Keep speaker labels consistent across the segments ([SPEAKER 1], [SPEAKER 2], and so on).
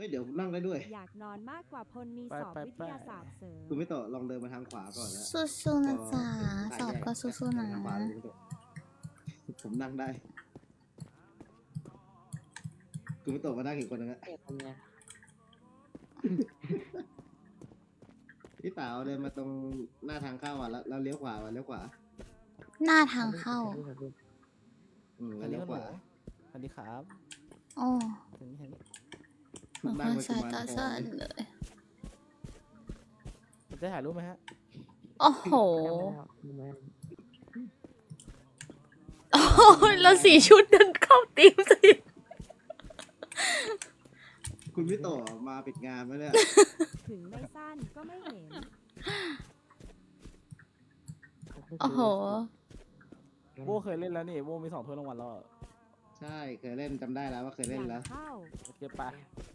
[SPEAKER 1] เดี๋ยวนั่งได้ด้วย
[SPEAKER 2] อยากนอนมากกว่าพลมีสอบวิทยาศาสตร์เสริม
[SPEAKER 1] คุณไม่ต่อลองเดินมาทางขวาก่อนนะ
[SPEAKER 3] สู้ๆนะจ๊ะสอบก็สู้ๆนะ
[SPEAKER 1] ทางขวาเลยผมนั่งได้คุณไม่ต่อมานั่งอีกคนนึงอะพี่เต๋าเดินมาตรงหน้าทางเข้าอ่ะแล้วเลี้ยวขวาเลี้ยวขวา
[SPEAKER 3] หน้าทางเข้า
[SPEAKER 1] แล้วเลี้ยวขวา
[SPEAKER 4] อันนี้ครับ
[SPEAKER 3] โอ้
[SPEAKER 4] อันนี้
[SPEAKER 3] เหมือนคนสายตาสั้นเลย
[SPEAKER 4] จะถ่ายรูปไหมฮะ
[SPEAKER 3] โอ้โหโอ้ยแล้วสีชุดเดินเข้าตีมสิ
[SPEAKER 1] คุณพี่ต่อมาปิดงานไหมเนี่ย
[SPEAKER 2] ถึงไม่สั้นก็ไม่เห็น
[SPEAKER 3] โอ้โห
[SPEAKER 4] โบเคยเล่นแล้วนี่โบมี2 ถ้วยรางวัลแล้ว
[SPEAKER 1] ใช่เคยเล่นจำได้แล้วว่าเคยเล่นแล้ว
[SPEAKER 2] เข้า
[SPEAKER 4] โอเคปะ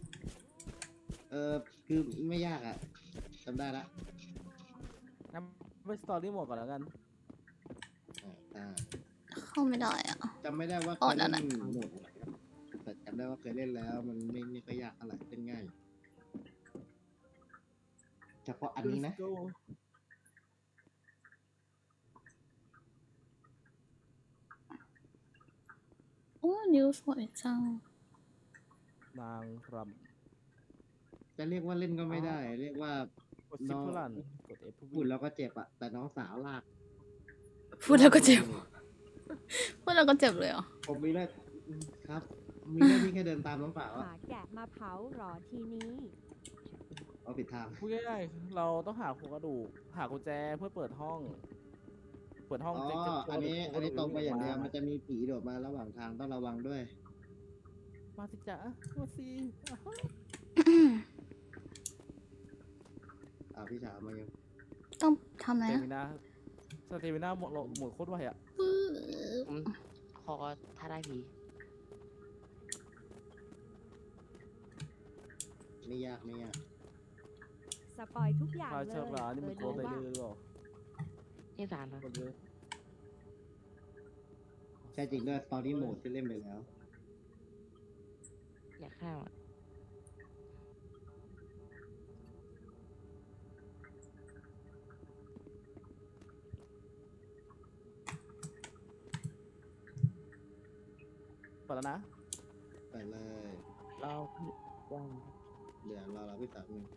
[SPEAKER 1] คือไม่ยากอ่ะจำได้ละ
[SPEAKER 4] งั้นไปสตอรี่หมดก่อนแล้วกัน
[SPEAKER 3] เข้าไม่ได้อ่ะ
[SPEAKER 1] จำไม่ได้ว่าเค
[SPEAKER 3] อ๋อย นั่
[SPEAKER 1] เล่
[SPEAKER 3] น
[SPEAKER 1] น
[SPEAKER 3] น่ะ
[SPEAKER 1] หมดแต่จำได้ว่าเคยเล่นแล้วมันไม่ค่อยยากเท่าไหร่เล่นง่ายเฉพาะอันนี้นะ
[SPEAKER 3] โอ้นิ้วสวยจัง
[SPEAKER 4] นางร
[SPEAKER 1] จะเรียกว่าเล่นก็ไม่ได้ เรียกว่า
[SPEAKER 4] ำกดชิปเพื่อรันกด F เพื่อ
[SPEAKER 1] พูด
[SPEAKER 4] วิ่ง
[SPEAKER 1] แล้วก็เจ็บอ่ะแต่น้องสาวลาก
[SPEAKER 3] พูดแล้วก็เจ็บ พูดแล้วก็เจ็บเลยเหรอ
[SPEAKER 1] ผมมีได้ครับมีได้ที่แค่เดินตามน้องสาวอะ
[SPEAKER 2] หาแกะมาเผาหรอทีนี้
[SPEAKER 1] เอาผิดทาง
[SPEAKER 4] พูดง่ายๆเราต้องหาโครงกระดูกหากุญแจเพื่อเปิดห้อง เปิดห้อง
[SPEAKER 1] อ๋อ
[SPEAKER 4] เจ๊
[SPEAKER 1] อันนี้ตรงไปอย่างเดียวมันจะมีผีโดดมาระหว่างทางต้องระวังด้วย
[SPEAKER 4] มาสิจ๊ะมาสิ
[SPEAKER 1] พี่สาวมายัง
[SPEAKER 3] ต้องทำ
[SPEAKER 4] ส
[SPEAKER 3] อะไร
[SPEAKER 4] เต
[SPEAKER 3] อะ
[SPEAKER 4] มินาหมดโคตรไวอ่ะ
[SPEAKER 5] ขอถ้าได้ผี
[SPEAKER 1] ไม่ยาก
[SPEAKER 2] สปอยทุกอย่าง
[SPEAKER 4] พา
[SPEAKER 2] เล
[SPEAKER 4] เชิญร้านนี่มันโก
[SPEAKER 2] ดู
[SPEAKER 4] งไป
[SPEAKER 2] ว่า
[SPEAKER 4] เรื่อยๆหรอ
[SPEAKER 5] นี่สารนะ
[SPEAKER 4] กดเยอะ
[SPEAKER 1] ใช่จริงด้วยตอนนี้โหมดที่เล่นไปแล้ว
[SPEAKER 5] อยากข้าวอ่ะ
[SPEAKER 4] เปิดแล้วนะ
[SPEAKER 1] ไปเลย
[SPEAKER 5] เราว่าง
[SPEAKER 1] เดี๋ยวเราพี่สาวหนึ่ง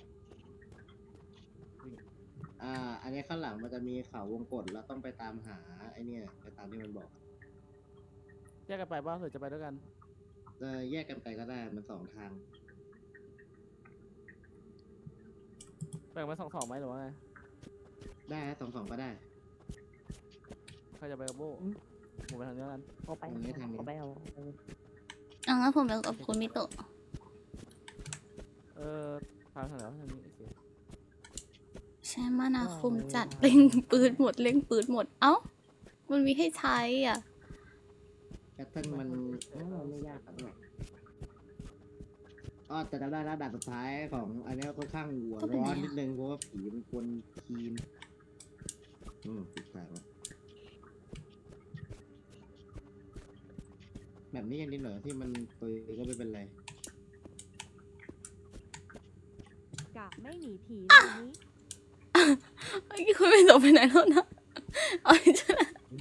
[SPEAKER 1] อันนี้ข้างหลังมันจะมีเขาวงกตแล้วต้องไปตามหาไอ้เนี่ยไปตามที่มันบอก
[SPEAKER 4] แยกกันไปบ้างหรือจะไปด้วยกัน
[SPEAKER 1] แยกกันไปก็ได้มัน2 ทาง
[SPEAKER 4] แบ่งเป็น2-2ไหมหรือว่าไง
[SPEAKER 1] ได้นะ2 ก็ได้
[SPEAKER 4] ใครจะไปกับโบผมไปทางนี้แล้วกัน
[SPEAKER 5] เขาไป
[SPEAKER 1] ทางนี้ทางนี้
[SPEAKER 5] เขาไปเอา
[SPEAKER 3] อ่ะงั้นผมไปกับคุณมิโตะ
[SPEAKER 4] ทางไหนวะทางนี้โอเค
[SPEAKER 3] ใช้มานาคุมจัดเล่งปืนหมดเล่งปืนหมด เอ้า มันมีให้ใช้อ่ะ
[SPEAKER 1] แพทเทิร์นมันไม่ยากครับแต่จำได้แล้วด่านสุดท้ายของอันนี้ค่อนข้างหัวร้อนนิดนึงเพราะว่าผีมันกวนทีมติดแปลกแบบนี้ยังนิดหน่อยที่มันปืนก็ไม่เป็นไร
[SPEAKER 2] กะไม่หนีผีวันนี้
[SPEAKER 3] เมื่อกี้คุณมิโตะไปไหนแล้วนะเอาอีกแล้ว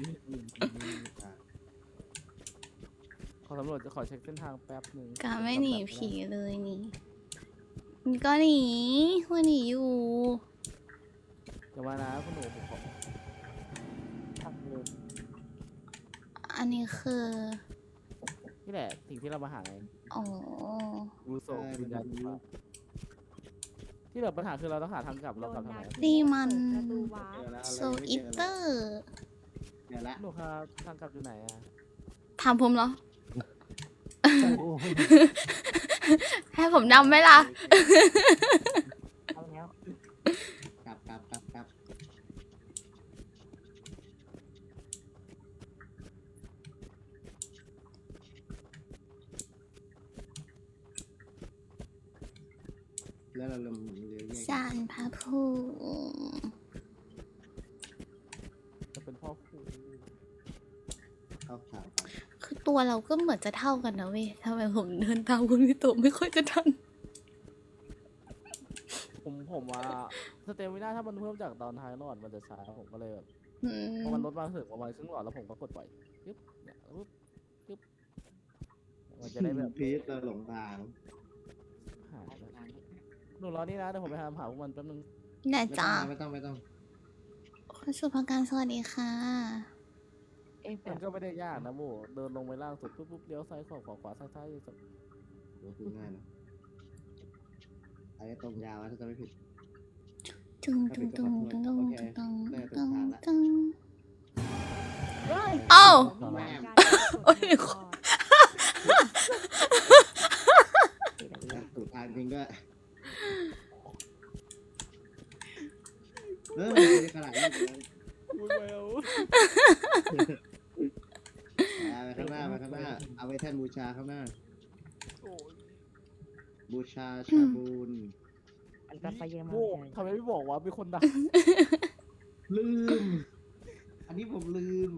[SPEAKER 4] ขอสำรวจจะขอเช็คเส้นทางแป๊บหนึ่ง
[SPEAKER 3] กาไม่หนีผีเลยนี่นี่ก็หนีคุณหนีอยู่
[SPEAKER 4] เดี๋ยวมานะคุณหนูผมขอ
[SPEAKER 5] ทำเลย
[SPEAKER 3] อันนี้คือ
[SPEAKER 4] นี่แหละสิ่งที่เรามาหาไง
[SPEAKER 3] อ๋อ
[SPEAKER 4] รูโซวิญญาณที่เหลือปัญหาคือเราต้องหาทางกลับ
[SPEAKER 2] โด
[SPEAKER 4] เรากลั
[SPEAKER 2] น
[SPEAKER 4] บทาง
[SPEAKER 2] นา
[SPEAKER 4] ไหน
[SPEAKER 2] ที
[SPEAKER 3] นี่มัน
[SPEAKER 2] ประตูวาร์ป
[SPEAKER 3] โซอิเตอร์
[SPEAKER 1] เดี๋ยวละ
[SPEAKER 4] หนูครับทางกลับอยู่ไหนอ่ะ
[SPEAKER 3] ถามผมเหรอ ให้ผมนำไหมล่ะ
[SPEAKER 5] เอาแล้ว
[SPEAKER 1] กลับแล้วเราเลี้ยวแยก
[SPEAKER 3] สารพระภูมิ
[SPEAKER 4] จะเป็นพ่อครู
[SPEAKER 1] เข้าข่าว
[SPEAKER 3] คือตัวเราก็เหมือนจะเท่ากันนะเว้ยทำไมผมเดินตามคุณมิโตะไม่ค่อยจะทัน
[SPEAKER 4] ผมว่าสเตมิน่าถ้ามันเพิ่มจากตอนท้ายหลอดมันจะช้าผมก็เลยแบบ
[SPEAKER 3] อื
[SPEAKER 4] พอ
[SPEAKER 3] ม
[SPEAKER 4] มันลดมาถึงประมาณครึ่งหลอดแล้วผมก็กดปล่อยปึ๊บเนี่ยปึ๊บปึ๊บมันจะได้แบบ
[SPEAKER 1] พีทเราหลงทาง
[SPEAKER 4] หายหนูรอนี่นะเดี๋ยวผมไปหาพวกมันแป๊บนึง
[SPEAKER 3] แน่จ้า
[SPEAKER 1] ไม่ต้อง
[SPEAKER 3] คุณสุภการสวัสดีค่ะ
[SPEAKER 5] เอ๊ะแบ
[SPEAKER 4] มัน
[SPEAKER 5] บ
[SPEAKER 4] ก็ไม่ได้ยากนะโบเดินลงไปล่างสุดปุ๊บปุ๊บเลี้ยวซ้ายขวาขวาซ้ายซ้ายสุด
[SPEAKER 1] พูดง่ายนะอันนี้ตรงยาวนะถ้าจะไม่ผิด
[SPEAKER 3] ตึงตึงตึงตึงตึง
[SPEAKER 1] โอเค
[SPEAKER 3] ตึง
[SPEAKER 1] ได้ถึ
[SPEAKER 3] ตึ
[SPEAKER 1] ง
[SPEAKER 3] ง
[SPEAKER 1] ทางละ
[SPEAKER 3] ตึงเอ้า
[SPEAKER 1] แม่
[SPEAKER 3] โอ้ย
[SPEAKER 1] ถูกทางจริงด้วยไม่ได้ขนาดนี้เลย
[SPEAKER 4] พูดไปเอา
[SPEAKER 1] ไปข้างหน้าเอาไว้แท่นบูชาข้างหน้า
[SPEAKER 4] โอ้ย
[SPEAKER 1] บูชาชาบูน
[SPEAKER 5] อันตรายเยอะมา
[SPEAKER 4] โบ
[SPEAKER 5] ก
[SPEAKER 4] ทำไมไม่บอกว่ามีคนดัก
[SPEAKER 1] ลืม อันนี้ผมลืม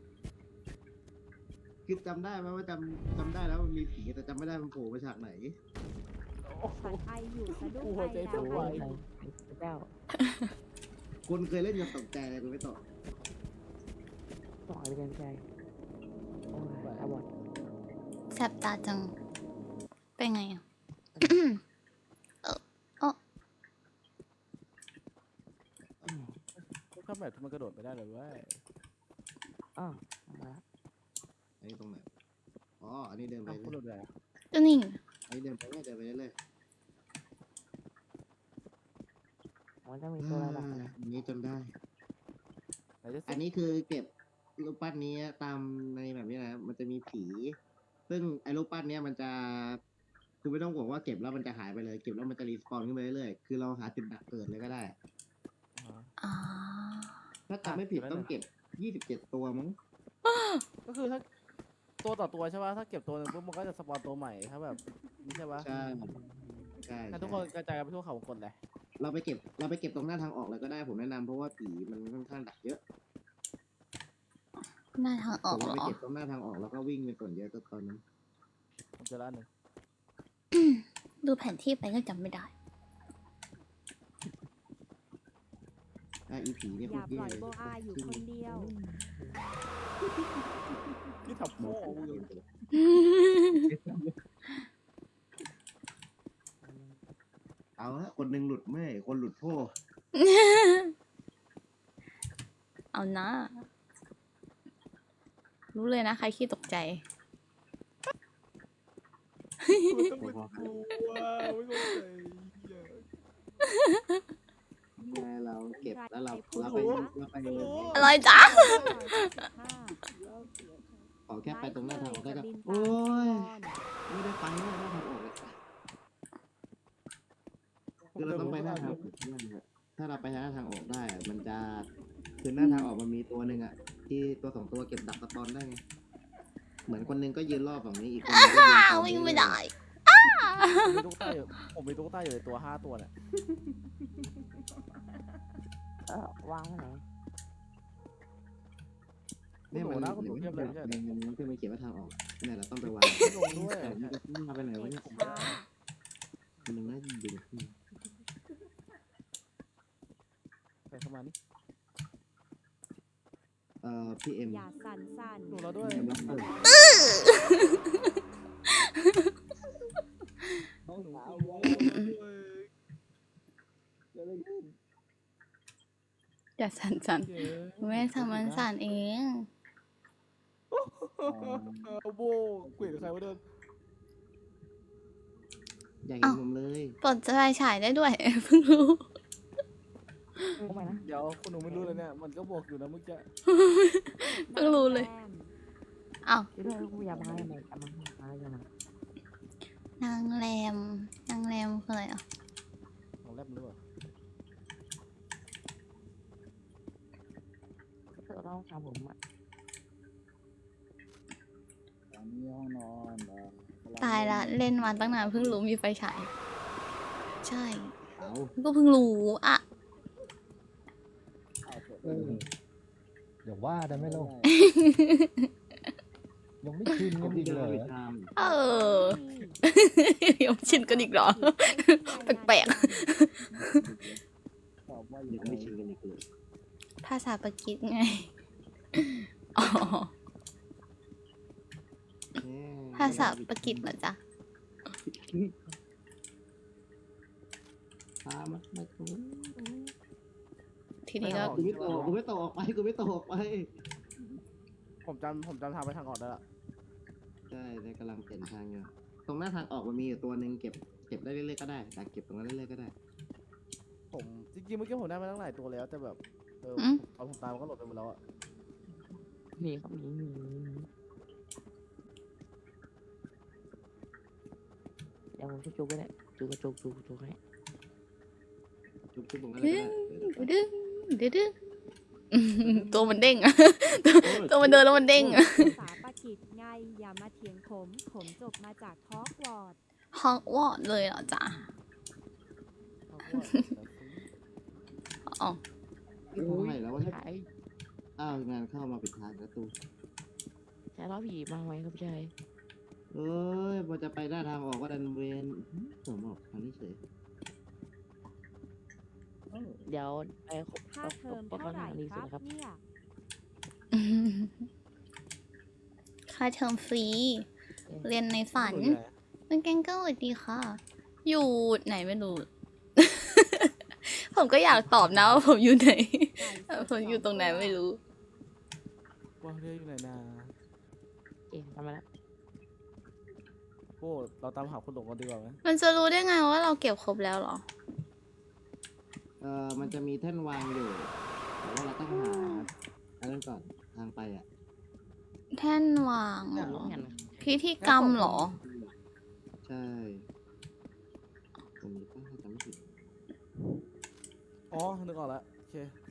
[SPEAKER 1] คือจำได้ไหมว่าจำได้แล้วมันมีผีแต่จำไม่ได้มันโผล่มาฉากไหน
[SPEAKER 2] สันไออยู่สะดุ้ง
[SPEAKER 4] กู
[SPEAKER 2] ไป
[SPEAKER 4] หัวใจ
[SPEAKER 2] แล้
[SPEAKER 4] เต้น
[SPEAKER 2] ว
[SPEAKER 4] ไว
[SPEAKER 5] เจ้า
[SPEAKER 1] คนเคยเล่นกับตกใจอะไรกูไม่ตอบ
[SPEAKER 5] ต่อไปเดินใจโอ้ยอาบอด
[SPEAKER 3] แสบตาจัง เป็นไงอ่ะ
[SPEAKER 4] ข้ามแบบมันกระโดดไม่ได้เลยเว้ย
[SPEAKER 5] อ้าวมา
[SPEAKER 1] อันนี้ตรงไหน อ๋อ อันนี้เดินไป
[SPEAKER 4] เอา
[SPEAKER 1] เล
[SPEAKER 4] คุณโด
[SPEAKER 1] ย
[SPEAKER 4] ดได้
[SPEAKER 3] ก็นี่
[SPEAKER 1] อันนี้เดินไปเรื่อย
[SPEAKER 5] มันต้องมีตัวระดับนะ
[SPEAKER 1] อันนี้จนได้
[SPEAKER 4] ไหนจะ
[SPEAKER 1] อันนี้คือเก็บรูปปั้นนี้ตามในแบบนี้นะ มันจะมีผี ซึ่งไอ้รูปปั้นเนี้ยมันจะ คือไม่ต้องห่วงว่าเก็บแล้วมันจะหายไปเลย เก็บแล้วมันจะรีสปอนขึ้นไปเรื่อยๆ คือเราหาจุดดักเกิดเลยก็ได้
[SPEAKER 3] อ๋อ
[SPEAKER 1] ถ้าจำไม่ผิดต้องเก็บ 27 ตัวมั้ง
[SPEAKER 4] ก็คือถ้าตัวต่อตัวใช่ป่ะถ้าเก็บตัวหนึงปุ๊บมันก็จะสปอนตัวใหม่ถ้าแบบนี่ใช่ป่ะ
[SPEAKER 1] ใช่ ใช่
[SPEAKER 4] ถ้าทุกคนกระจายกันไปทั่วเขาวงกลเลย
[SPEAKER 1] เราไปเก็บตรงหน้าทางออกเลยก็ได้ผมแนะนำเพราะว่าผีมันค่อนข้างดักเยอะ
[SPEAKER 3] หน้าทางอ
[SPEAKER 1] ผ
[SPEAKER 3] อก
[SPEAKER 1] ม
[SPEAKER 3] เหร
[SPEAKER 1] ไป
[SPEAKER 3] อ
[SPEAKER 1] เก็บตรงหน้าทางออกแล้วก็วิ่งไปก่อนเยอะตอนนั้น
[SPEAKER 4] ผมเจอร้านหนึ่ง
[SPEAKER 3] ดูแผนที่ไปก็จำไม่ได้
[SPEAKER 1] อีผีเนี่ย
[SPEAKER 2] อ
[SPEAKER 1] พว
[SPEAKER 2] ย่าก ป
[SPEAKER 1] เหี้ย
[SPEAKER 2] ล่อยโบอาอยู่คนเดียว
[SPEAKER 4] ที่ทับโม่มึง
[SPEAKER 1] เอาละคนหนึ่งหลุดเมื่อยคนหลุดโพ่
[SPEAKER 3] เอานะ รู้เลยนะ ใครขี้ตกใจ
[SPEAKER 4] มันต้องเป็นกูว่ะไม่เข้าใจ
[SPEAKER 1] เราเก็บแล้วเราไปเลย
[SPEAKER 3] อะไรจ๊ะ
[SPEAKER 1] ขอแค่ไปตรงหน้าทางออกก็จะโอ้ยไม่ได้ไปหน้าทางออกเลยคือเราต้องไปหน้าทางออกถ้าเราไปหน้าทางออกได้อะมันจะคือหน้าทางออกมันมีตัวหนึ่งอ่ะ ที่ตัว2ตัวเก็บดักสปอนได้ไงเหมือนคนหนึงก็ยืนรอบฝั่งนี้อีกคนหนึงก็ยืน
[SPEAKER 3] วิ่งไม่ได้
[SPEAKER 4] ผมมีตุ๊กตาอยู่ในตัว5ตัวเนี่ย
[SPEAKER 5] วางไว้ไหน
[SPEAKER 1] เนี่ยมัน
[SPEAKER 4] นะคุณหนูเทียบเลยไม่ใช่เหรอ
[SPEAKER 1] มันขึ้นมาเขียนว่าทางออกเนี่ยเราต้องไปวาง
[SPEAKER 4] ไม่ลงด้วย
[SPEAKER 1] แต่มันจะขึ้นมาไปไหนวะเนี่ยมันนึงน่าจะดึงขึ้น
[SPEAKER 4] ใส่เข้ามานี่
[SPEAKER 1] พี่เอ็ม
[SPEAKER 2] อย่าสั่นสั่น
[SPEAKER 4] ดูเราด้วย
[SPEAKER 1] เอ็มรับเปิด
[SPEAKER 4] น้องสาวด้วย
[SPEAKER 3] อย่าสั่นสั่นๆไม่ทำมันสั่นเอง
[SPEAKER 4] เอาโบกุยหรือใครวะเดิน
[SPEAKER 1] อยากเห็นผมเลย
[SPEAKER 3] ปลดไฟฉายได้ด้วย เพิ่งรู้
[SPEAKER 5] เข้ามานะ
[SPEAKER 4] เดี๋ยวคุณหนูไม่รู้เลยเนี่ยมันก็บอกอยู่นะเมื่อกี้
[SPEAKER 3] เพิ่งรู้เลย อ้าว
[SPEAKER 5] ที่ด้วยกูอย่ามาอะไรอย่ามาอย่ามาน
[SPEAKER 3] างแรม นางแรมคืออะไรอ่ะ
[SPEAKER 4] ของแรบมันรู้ป่ะ
[SPEAKER 5] เราต้องทำผมอ่ะ
[SPEAKER 1] ตอนนี้ห้องนอน
[SPEAKER 3] ตายละ เล่นมาตั้งนานเพิ่งรู้มีไฟฉาย ใช่
[SPEAKER 1] เอา
[SPEAKER 3] ก็เพิ่งรู้อ่ะ
[SPEAKER 6] เดี๋ยวว่าได้ไหมลูกยังไม่ชิน
[SPEAKER 1] ข
[SPEAKER 6] กั
[SPEAKER 1] อง
[SPEAKER 6] น
[SPEAKER 1] พี่
[SPEAKER 6] อีก
[SPEAKER 1] จะ
[SPEAKER 6] เหรอ
[SPEAKER 1] ไปท
[SPEAKER 3] เออ ยังชินกันอีกเหรอ แปลก
[SPEAKER 6] ตอบว่า
[SPEAKER 1] ำ
[SPEAKER 6] ยั
[SPEAKER 1] ยัง
[SPEAKER 6] งไง
[SPEAKER 1] ไม่ชินกันอีกเลย
[SPEAKER 3] ภาษาปากีสไง อ๋อ ภาษาปากีสเหรอจ๊ะ
[SPEAKER 1] พามาไม่ถูก
[SPEAKER 3] ทีนี้ก็
[SPEAKER 1] กูไม่ตกกูไม่ตกออกไปกูไม่ตกออกไป
[SPEAKER 4] ผมจำทางไปทางออกได้ละ
[SPEAKER 1] ใช่ในกำลังเปลี่ยนทางอยู่ตรงหน้าทางออกมันมีอยู่ตัวหนึ่งเก็บได้เรื่อยๆก็ได้แต่เก็บตรงนั้นเรื่อยๆก็ได้
[SPEAKER 4] ผมจริงๆเมื่อกี้ผมได้มาตั้งหลายตัวแล้วแต่แบบตอนผมตามมันก็หลดไปหมดแล้วอะ
[SPEAKER 5] หนีครับหนีเดี๋ยวผมจะจุกไปเลยจุกกระจุกจุกให้
[SPEAKER 1] จุ๊บตรงนั้นเลยก็ได้
[SPEAKER 3] ดึงดึงดึงตัวมันเด้งอะ ตัวมันเดินแล้วมันเด้งอะ
[SPEAKER 2] ภาษาปากีสไงอย่ามาเถียงผมจบมาจากฮอกวอตส์
[SPEAKER 3] ฮอกวอตส์เลยเหรอจ๊ะ อ๋อ
[SPEAKER 1] ที่ทำไมแล้ววะเนี่ย
[SPEAKER 5] ใช่
[SPEAKER 1] อ้าวงานเข้ามาปิดทางประตู
[SPEAKER 5] ใช่ล้อผีมาไหมครับใช่
[SPEAKER 1] เอ้ยพอจะไปหน้าทางออกก็ดันเวนผมออกทางนี้เฉย
[SPEAKER 5] เดี๋ยวไป
[SPEAKER 2] ค่าเทอมเท่าไหร่
[SPEAKER 5] นี้
[SPEAKER 2] ค
[SPEAKER 5] สุด
[SPEAKER 2] รับ
[SPEAKER 5] นะครับ
[SPEAKER 2] เนี่ย
[SPEAKER 3] ค่าเทอมฟรี เรียนในฝัน
[SPEAKER 4] อยู่ไหน
[SPEAKER 3] เป็นแกงเกิลสวัสดีค่ะ อยู่ไหนไม่รู้ ผมก็อยากตอบนะว่าผมอยู่ไหน
[SPEAKER 2] ไก่สด
[SPEAKER 3] ผมอยู่ตรงไหนไม่รู้
[SPEAKER 4] ว่าเรื่องอยู่ไหนนะ
[SPEAKER 5] เอ๊ะทำมาแล้ว
[SPEAKER 4] โอ้เราตามหาคนหลงกันดีกว่าไหม
[SPEAKER 3] มันจะรู้ได้ไงว่าเราเก็บครบแล้วเหรอ
[SPEAKER 1] มันจะมีแท่นวางอยู่แต่ว่าเราต้องหาอันนั้นก่อนทางไปอ่ะ
[SPEAKER 3] แท่นวางเหรอ
[SPEAKER 5] เห็น
[SPEAKER 3] พิธีกรรมเหรอ
[SPEAKER 1] ใช่ตรงนี้ก็ถ้าจำไม่ผิด
[SPEAKER 4] อ๋อนึกออกแล้วโอเค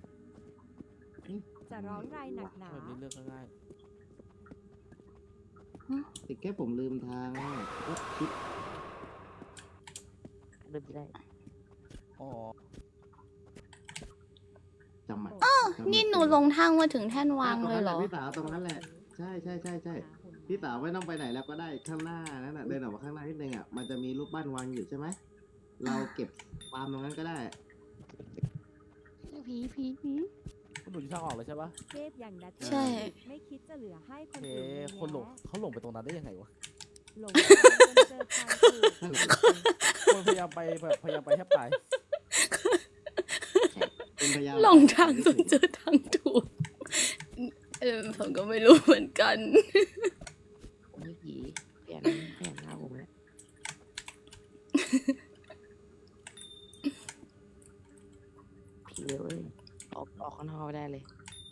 [SPEAKER 2] จะร้องไรหนักหนา
[SPEAKER 4] แบบนี้เลือกง่าย
[SPEAKER 1] ติดแค่ผมลืมทางอ่ะก็คิด
[SPEAKER 5] เริ่มได้
[SPEAKER 4] ๆอ๋อ
[SPEAKER 1] จำอ่ะ
[SPEAKER 3] นี่หนูลงทางมาถึงแท่นวางเลยเหรอ
[SPEAKER 1] พี่สาวตรงนั้นแหละใช่พี่สาวไม่ต้องไปไหนแล้วก็ได้ข้างหน้านั่นแหะเดินออกมาข้างหน้านิดนึงอ่ะมันจะมีรูปปั้นวางอยู่ใช่ไหมเราเก็บฟาร์มตรงนั้นก็ได้
[SPEAKER 5] ผี
[SPEAKER 4] คุณหนูอยู่ทางออกเลยใช่ปะ
[SPEAKER 2] เทพอย่างดัช
[SPEAKER 3] ใช่
[SPEAKER 2] ไม่คิดจะเหลือให้ค
[SPEAKER 4] โอน เค
[SPEAKER 2] อื่นเลย
[SPEAKER 4] คนหลง
[SPEAKER 2] แยะ
[SPEAKER 4] เขาหลงไปตรงนั้นได้ยังไงวะ
[SPEAKER 2] หลงทางจนเจอทางถูก
[SPEAKER 4] คนพยายามไปแบบพยายามไปแทบตาย
[SPEAKER 1] เป็นพยาน
[SPEAKER 3] หลงทางจนเจอทางถูก ผมก็ไม่รู้เหมือนกัน
[SPEAKER 5] ผมไม่ผีเปลี่ยนหน้าผมแล้วผีเร็วเลยออกข้างนอกไม่ได้เลย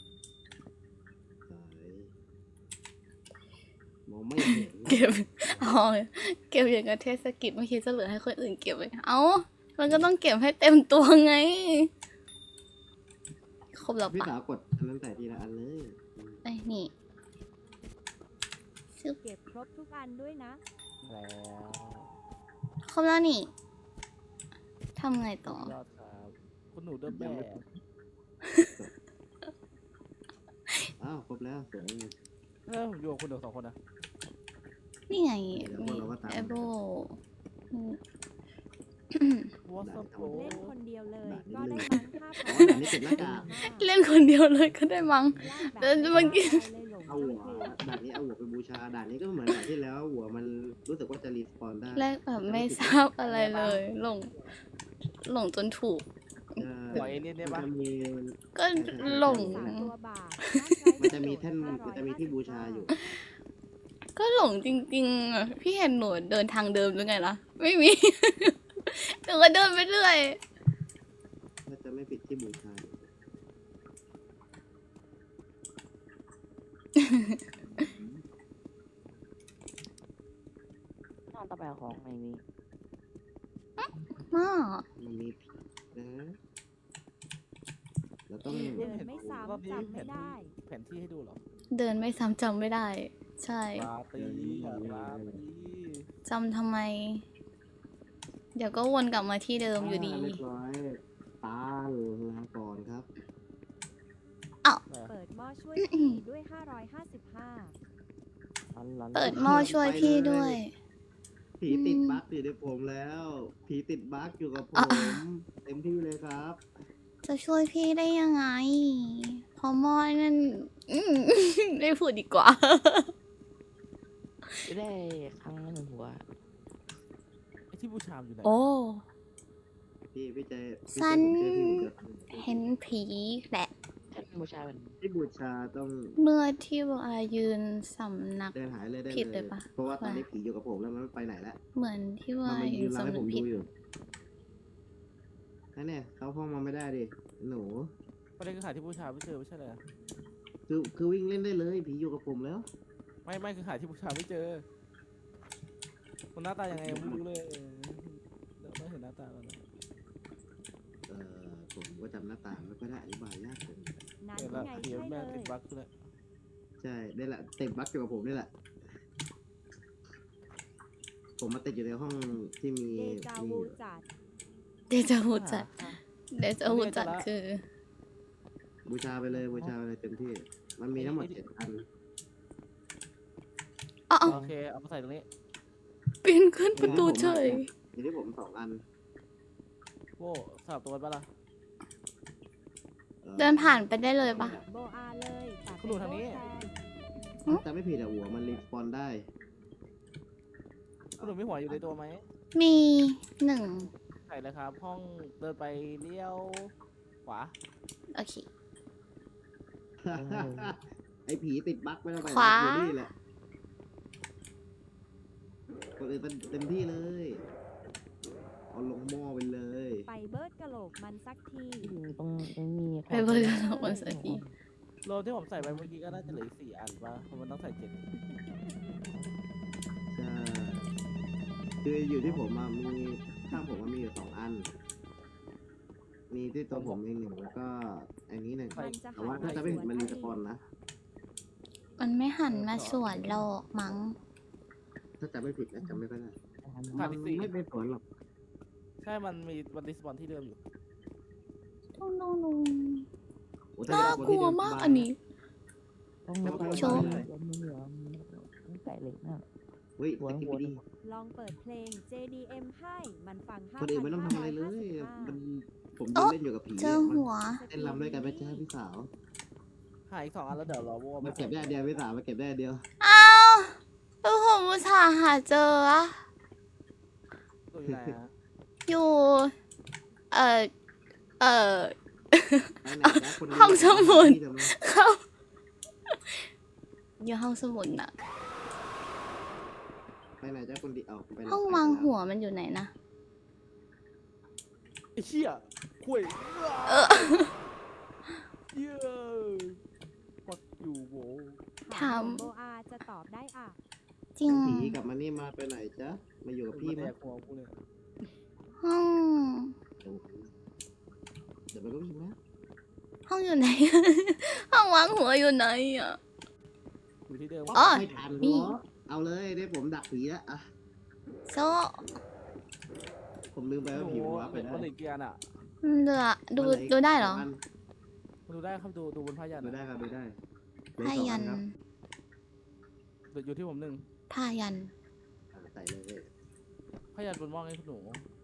[SPEAKER 1] มองไม่เห็น
[SPEAKER 3] เก็บอ๋อเก็บอย่างกับเทศกิจไม่คิดจะเหลือให้คนอื่นเก็บไว้เอ้า มันก็ต้องเก็บให้เต็มตัวไง ครบแล้ว
[SPEAKER 1] พี่
[SPEAKER 3] ปะ
[SPEAKER 1] สาวกดอันนั้นใส่ทีละอันเลย
[SPEAKER 3] ไอ้ยนี่ชึบ
[SPEAKER 2] เก็บครบทุกอันด้วยนะ
[SPEAKER 4] แล้ว
[SPEAKER 3] ครบแล้วนี่ทำไงต่อ
[SPEAKER 4] ยอดครับคุณหนูเดินแบบ
[SPEAKER 1] อ้าวครบแล้วสวย
[SPEAKER 4] ผมอยู่กับคุณหนู2 คนนะ
[SPEAKER 3] นี่ไง
[SPEAKER 1] เดี๋ยว
[SPEAKER 3] มี
[SPEAKER 1] เราก็ตาม
[SPEAKER 3] แอโบ
[SPEAKER 4] วอสโป
[SPEAKER 2] เล่นคนเดียวเลย
[SPEAKER 1] ด่าน
[SPEAKER 2] ก็
[SPEAKER 1] นี้
[SPEAKER 2] ได้มั้งค่า
[SPEAKER 1] อ๋อด่านนี้เก็บหน้ากาก
[SPEAKER 3] เล่นคนเดียวเลยก็ได้มั้ง เดินเมื่อกี้
[SPEAKER 1] เอาหัวด่านนี้เอาหัวไปบูชาด่านนี้ก็เหมือนด่านที่แล้วหัวมันรู้สึกว่าจะรีสปอนได้
[SPEAKER 3] แรกแบบไม่ทราบอะไรเลย หลงจนถูก
[SPEAKER 4] ปล่อยเอเลี่ยนได้ปะ
[SPEAKER 1] มันจะมี
[SPEAKER 3] ก็หลง
[SPEAKER 2] ตัวบาท
[SPEAKER 1] มันจะมีแท่นมันจะมีที่บูชาอยู่
[SPEAKER 3] ก็หลงจริงๆอะพี่เห็นหนูเดินทางเดิมหรือไงล่ะ ไม่มี หนูก็เดินไปเรื่อย
[SPEAKER 1] ถ้าจะไม่ผิดที่บูชาอยู่
[SPEAKER 5] นอนต่อไปเอาของในนี้
[SPEAKER 3] มาก
[SPEAKER 1] มันมีผิดนะเราต้อง
[SPEAKER 2] เดินไม่ซ้ำจำไม่ได้
[SPEAKER 4] แผนที่ให้ดูเหรอ
[SPEAKER 3] เดินไม่ซ้ำจำไม่ได้ ใช่
[SPEAKER 4] ปาร์ตี้ปาร์ตี้
[SPEAKER 3] จำทำไม เดี๋ยวก็วนกลับมาที่เดิมอยู่ดี
[SPEAKER 1] เรียบร้อยตาลาก่อนครับ
[SPEAKER 2] เปิดหม้อช่วยผีด้วย 555
[SPEAKER 5] เอาร้อน
[SPEAKER 3] เปิดหม้อช่วยพี่ด้วย
[SPEAKER 1] ผีติดบั๊กอยู่ในผมแล้ว ผีติดบั๊กอยู่กับผม เต็มที่เลยครับ
[SPEAKER 3] จะช่วยพี่ได้ยังไง พอหม้อนั่นไม่พูดดีกว่า
[SPEAKER 5] จะได้ครั้งละหนึ่งหัว
[SPEAKER 4] ไอ้ที่บูชามอยู่ไหน
[SPEAKER 3] โอ้
[SPEAKER 1] พี่ใจพี่
[SPEAKER 3] สั้
[SPEAKER 1] ใจ
[SPEAKER 3] น
[SPEAKER 1] ผมเจอพี่ผมเจอ
[SPEAKER 3] เห็นผีแหละ
[SPEAKER 5] ท่านบูชาเป็น
[SPEAKER 1] พี่บูชาต้อง
[SPEAKER 3] เมื่อที่วายืนสำนัก
[SPEAKER 1] เดินหายเลยได้
[SPEAKER 3] ผิด
[SPEAKER 1] เล
[SPEAKER 3] เลย ยปะ
[SPEAKER 1] เพราะว่าตอนนี้ผีอยู่กับผมแล้วมันไม่ไปไหนแล้ว
[SPEAKER 3] เหมือนที่
[SPEAKER 1] มั
[SPEAKER 3] วาน
[SPEAKER 1] มา
[SPEAKER 3] ยื
[SPEAKER 1] ยื
[SPEAKER 3] น
[SPEAKER 1] นรำให้
[SPEAKER 3] สำ
[SPEAKER 1] ผ
[SPEAKER 3] นึ
[SPEAKER 1] ม
[SPEAKER 3] กผิ
[SPEAKER 1] ดู
[SPEAKER 3] ด
[SPEAKER 1] อยู่นั่นเนี่ยเข้าห้องมาไม่ได้ดิหนู
[SPEAKER 4] ประเด็นคือหาที่บูชาไม่เจอไม่ใช่เลยอะ
[SPEAKER 1] คือวิ่งเล่นได้เลยผีอยู่กับผมแล้ว
[SPEAKER 4] ไม่คือหาที่บูชาไม่เจอมันหน้าตายังไงยังไม่รู้เลยเดี๋ยวต้องเห็นหน้าตาก่อนนะ
[SPEAKER 1] ผมก็จำหน้าตาไม่ค่อยได้อธิบายยากเลย
[SPEAKER 2] นั้น
[SPEAKER 4] เห็นละ
[SPEAKER 2] ไง
[SPEAKER 4] เดี๋ยว
[SPEAKER 2] ใช่
[SPEAKER 4] แม่
[SPEAKER 2] เล
[SPEAKER 4] ติ
[SPEAKER 2] ย
[SPEAKER 4] ดบั๊กคือแล้ว
[SPEAKER 1] ใช่ได้แหละติดบั๊กอยู่กับผมนี่แหละ ผมมาติดอยู่ในห้องที่มี
[SPEAKER 2] เดจาวูจัด
[SPEAKER 3] เดจาวูจัดเดจาวูจัดคือ
[SPEAKER 1] บูชาไปเลยบูชาไปเลยเต็มที่ มันมีทั้งหมด7 อัน
[SPEAKER 3] อ๋อ
[SPEAKER 4] โอเคเอามาใส่ตรงนี้
[SPEAKER 3] ปีนขึ้นประตูเฉย
[SPEAKER 1] มีที่ผม2 อัน
[SPEAKER 4] โว้สลับตัวกันปะล่ะ
[SPEAKER 3] เดินผ่านไปได้เลยปะ
[SPEAKER 2] โบอาเลยแต่
[SPEAKER 4] คุณดูทางนี้
[SPEAKER 1] แต่ไม่ผิดอะหัวมันรีสปอนได้
[SPEAKER 4] คุณหนุ่มมีหัวอยู่ในตัวไหม
[SPEAKER 3] มี1
[SPEAKER 4] ใส่เลยครับ ห้องเดินไปเลี้ยวขวา
[SPEAKER 3] โอเค
[SPEAKER 1] ไอ้ผีติดบั๊กไม่ต้องไป
[SPEAKER 3] ขวา
[SPEAKER 1] อยู่นี่แหละคนอื่นเต็มที่เลย เอาลงหม้อไปเลย
[SPEAKER 2] ไปเบิร์ดกะโหลกมันสักที
[SPEAKER 5] ต้องไม่มี
[SPEAKER 3] ไปเบิร์ดกะโหลกมันสักที
[SPEAKER 4] โลที่ผมใส่ไปเมื่อกี้ก็น่าจะเหลืออก4 อันปะเพราะมันต้องใส่7
[SPEAKER 1] ใช่คืออยู่ที่ผมอะมีข้างผมมันมีอยู่2 อัน มีที่ตัวผมเอง1แล้วก็อันนี้1
[SPEAKER 2] มันจะ
[SPEAKER 1] แต่ว่าถ้าจะไม่ผิดมันรีสปอนนะ
[SPEAKER 3] มันไม่หันมาสวนโลกมั้ง
[SPEAKER 1] ถ้าจะไม่ผิดนะจำไม่ค่อยได้
[SPEAKER 4] ขาดอีก 4
[SPEAKER 1] ไม่ไปสวนหรอก
[SPEAKER 4] ใช่มันมีวันดิสปอนที่เดิมอยู่
[SPEAKER 3] ตุ้งตุ้ง
[SPEAKER 1] โอ้แต่
[SPEAKER 3] น่า
[SPEAKER 1] เวล
[SPEAKER 3] กลัวมากอันนี้
[SPEAKER 5] ต้อง
[SPEAKER 3] โชว์
[SPEAKER 5] มีเหรอมีไก่เหล็กนะ
[SPEAKER 1] เฮ้ย
[SPEAKER 5] หัว
[SPEAKER 1] สกิป
[SPEAKER 5] หัว
[SPEAKER 1] ดี
[SPEAKER 2] ลองเปิดเพลง JDM ให้มันฟัง
[SPEAKER 1] คนอื่นไม่ต้องทำอะไรเลย
[SPEAKER 2] 5,555
[SPEAKER 1] มันผมยืนเล่นอยู่กับผี
[SPEAKER 3] เจอหัว
[SPEAKER 1] เต้นรำด้วยกันไปจ้าพี่สาว
[SPEAKER 4] หาอีก2 อันแล้วเดี๋ยวรอโว้
[SPEAKER 1] มาเก็บได้อันเดียวพี่สาวมาเก็บได้อันเดียว
[SPEAKER 3] อ้าวแล้วผมอุตส่าห์หาเจออะ
[SPEAKER 4] ตัวอยู่ไหนอะ
[SPEAKER 3] อยู่ เออ
[SPEAKER 1] ไปไหนนะคน
[SPEAKER 3] ห้องสมุด
[SPEAKER 1] ที่เดิมนะ
[SPEAKER 3] เขาอยู่ห้องสมุดน่ะ
[SPEAKER 1] ไปไหนจ้าคนดีเอาไปไหน
[SPEAKER 3] ห้องวางหัวมันอยู่ไหนนะ
[SPEAKER 4] ไอ้เหี้ยคุย
[SPEAKER 3] เออ
[SPEAKER 4] เหี้ยปักอยู่โว้
[SPEAKER 3] ถาม
[SPEAKER 2] โบอาจะตอบได้อ่ะ
[SPEAKER 3] จริง
[SPEAKER 1] ผีกลับมานี่มาไปไหนจ๊ะมาอยู่กับพี่
[SPEAKER 4] แด
[SPEAKER 1] มั้ย
[SPEAKER 4] กหัวกูเลย
[SPEAKER 3] ห้อง
[SPEAKER 1] เดี๋ยวมันก็พิมพ์นะ
[SPEAKER 3] ห้องอยู่ไหน ห้องวางหัวอยู่ไหนอ่ะ
[SPEAKER 4] อยู่ที่เดิม
[SPEAKER 3] อ๋อ
[SPEAKER 1] ไม่ทัน
[SPEAKER 3] นี่
[SPEAKER 1] เหรอเอาเลยได้ผมดักผีแล้วอ่ะ
[SPEAKER 3] โซ
[SPEAKER 1] ผมลืมไปว่าผีหัวไป
[SPEAKER 4] เป็น
[SPEAKER 1] ได้
[SPEAKER 4] คนเหล็กเกียร์น่ะ
[SPEAKER 3] เหลือดูได้เหรอ
[SPEAKER 4] ดูได้ครับดูบนผ้ายัน
[SPEAKER 1] ดู
[SPEAKER 4] อะ
[SPEAKER 1] ได้ครับดูได้เหลือ
[SPEAKER 3] ผ้า
[SPEAKER 1] สอง
[SPEAKER 3] ยั
[SPEAKER 1] อั
[SPEAKER 3] น
[SPEAKER 1] ครับ
[SPEAKER 4] อยู่ที่ผม1
[SPEAKER 3] ผ้ายัน
[SPEAKER 1] ใส่เลย
[SPEAKER 4] ผ้ายันบนหม้อให้คุณหนู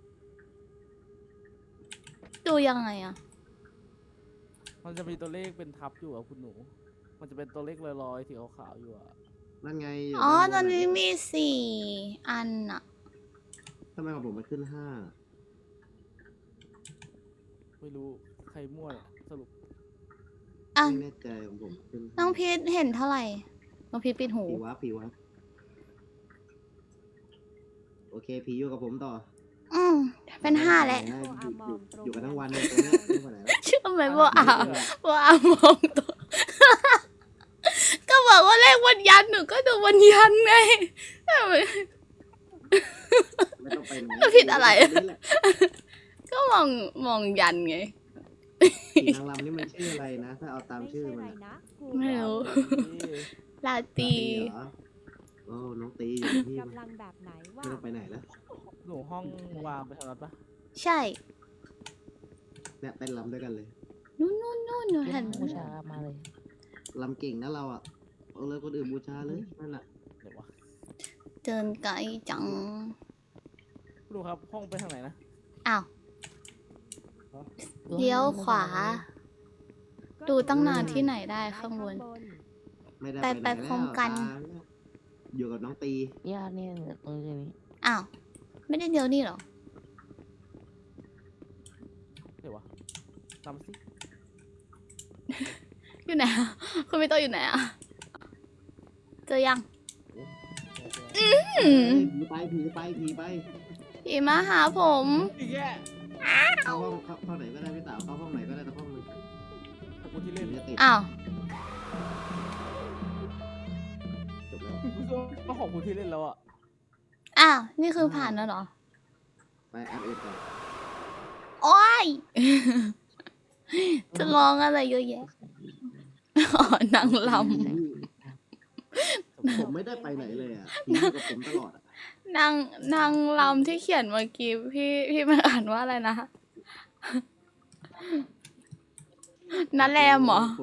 [SPEAKER 3] ดูยังไงอ่ะ
[SPEAKER 4] มันจะมีตัวเลขเป็นทับอยู่อะคุณหนู มันจะเป็นตัวเลขลอยๆสีขาวๆอยู่อะ
[SPEAKER 1] นั่นไง
[SPEAKER 3] อ๋อ ต
[SPEAKER 1] ด้า
[SPEAKER 3] อน
[SPEAKER 1] บ
[SPEAKER 3] นี้มี4 อันอ่ะ
[SPEAKER 1] ทำไมของผมมันขึ้น5
[SPEAKER 4] ไม่รู้ใครมั่วเนี่ยสรุป
[SPEAKER 3] อ่ะ
[SPEAKER 1] ไม่แน่ใจของผมขึ้น
[SPEAKER 3] น้องพีทเห็นเท่าไหร่ น้องพีทปิดหู
[SPEAKER 1] ผีวะโอเคผีอยู่กับผมต่อ
[SPEAKER 3] เป็น5แล้ว
[SPEAKER 1] อยู่กันทั้งวันเลยตรงเนี้ยไม่ไปไหนแล้ว
[SPEAKER 3] เชื่อไหมว่ามองตัว ก็บอกว่าเลขวันยันหนูก็ดูวันยันไง
[SPEAKER 1] ไม่ต้องไปไหน
[SPEAKER 3] ผิดอะไร
[SPEAKER 1] ยู่ตงนี้แหล
[SPEAKER 3] ก็มองยันไง
[SPEAKER 1] ผีนางรำนี่มันชื่ออะไรนะ ถ้าเอาตาม
[SPEAKER 2] ไม่
[SPEAKER 1] ชื่อ
[SPEAKER 2] ใช่
[SPEAKER 1] มัน
[SPEAKER 2] ไร
[SPEAKER 1] อะ
[SPEAKER 2] นะกู
[SPEAKER 3] ไม่รู้ ลาตี
[SPEAKER 1] เหรอโอ้น้องตีอยู่ที่
[SPEAKER 2] กำลังแบบไหนว่า
[SPEAKER 1] ไม่ต้องไปไหนแล้ว
[SPEAKER 4] หนูห้องวางไปทางนั้นปะ
[SPEAKER 3] ใช่
[SPEAKER 1] เนี่ยเต้นรำด้วยกันเลย
[SPEAKER 3] นู่นหนูเห็น
[SPEAKER 5] บูชามาเลย
[SPEAKER 1] รำเก่งนะเราอ่ะเอาเลยคนอื่นบูชาเลยนั่นแหละ
[SPEAKER 4] เดี๋ยวว
[SPEAKER 3] เดินไกลจัง
[SPEAKER 4] ดูครับห้องไปทางไหนนะ
[SPEAKER 3] อ้าว เลี้ยวขวา ดูตั้งนานที่ไหนได้ข้างบน
[SPEAKER 1] ไม่ได้
[SPEAKER 3] ไป
[SPEAKER 1] ไหน
[SPEAKER 3] พร้อมกัน
[SPEAKER 1] แล้วอยู่กับน้องตี
[SPEAKER 5] เนี่ยเนี่ยตรงนี้
[SPEAKER 3] อ้าว ไม่ได้เดียวนี่เหรอ
[SPEAKER 4] เดี๋ยววะตามมาสิ
[SPEAKER 3] อยู่ไหนอะคุณไม่ต้องอยู่ไหนอะเจอยัง
[SPEAKER 1] เอ้ยผีไปผีไปผีไป
[SPEAKER 3] ผีมาหาผม
[SPEAKER 4] อีกแย่
[SPEAKER 1] เข้าห้องเข้าไหนก็ได้พี่สาวเข้าห้องไหนก็ได้แต่ห้องนึง
[SPEAKER 4] ขอบคุณที่เล่น
[SPEAKER 1] จะติด
[SPEAKER 3] อ้าว
[SPEAKER 1] จบแล้ว
[SPEAKER 4] ก็ขอบคุณที่เล่นแล้วอ่ะ
[SPEAKER 3] อ้าว นี่คือผ่านแล้วเหรอ
[SPEAKER 1] ไปอัพเอ็ดก่อน
[SPEAKER 3] โอ๊ย จะร้องอะไรเยอะแยะ อ๋อนางล
[SPEAKER 1] ผมไม่ได้ไปไหนเลยอ่ะผีอยู่กับผมตลอดอ่ะ
[SPEAKER 3] ำนางลำที่เขียนเมื่อกี้พี่มันอ่านว่าอะไรนะนัแรมเหรอ
[SPEAKER 1] ผม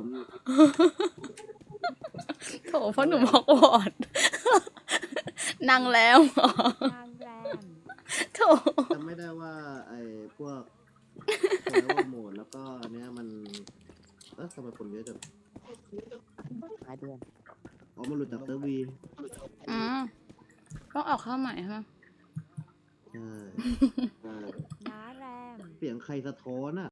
[SPEAKER 3] โถเพราะหนูบอกวอด นางแรมเหรอ
[SPEAKER 2] นางแรม
[SPEAKER 3] โถ
[SPEAKER 1] จำไม่ได้ว่าไอ้พวกแซวโหมดแล้วก็อันเนี้ยมันทำไมคนเยอะจัง
[SPEAKER 5] หลายเดือน
[SPEAKER 1] อ๋อมันหลุดจากเซิร์ฟวี
[SPEAKER 3] อืมต้องออกเข้าใหม่ใช่ไหม
[SPEAKER 1] ใช่
[SPEAKER 2] น้าแรม
[SPEAKER 1] เสียงใครสะท้อนอ่ะ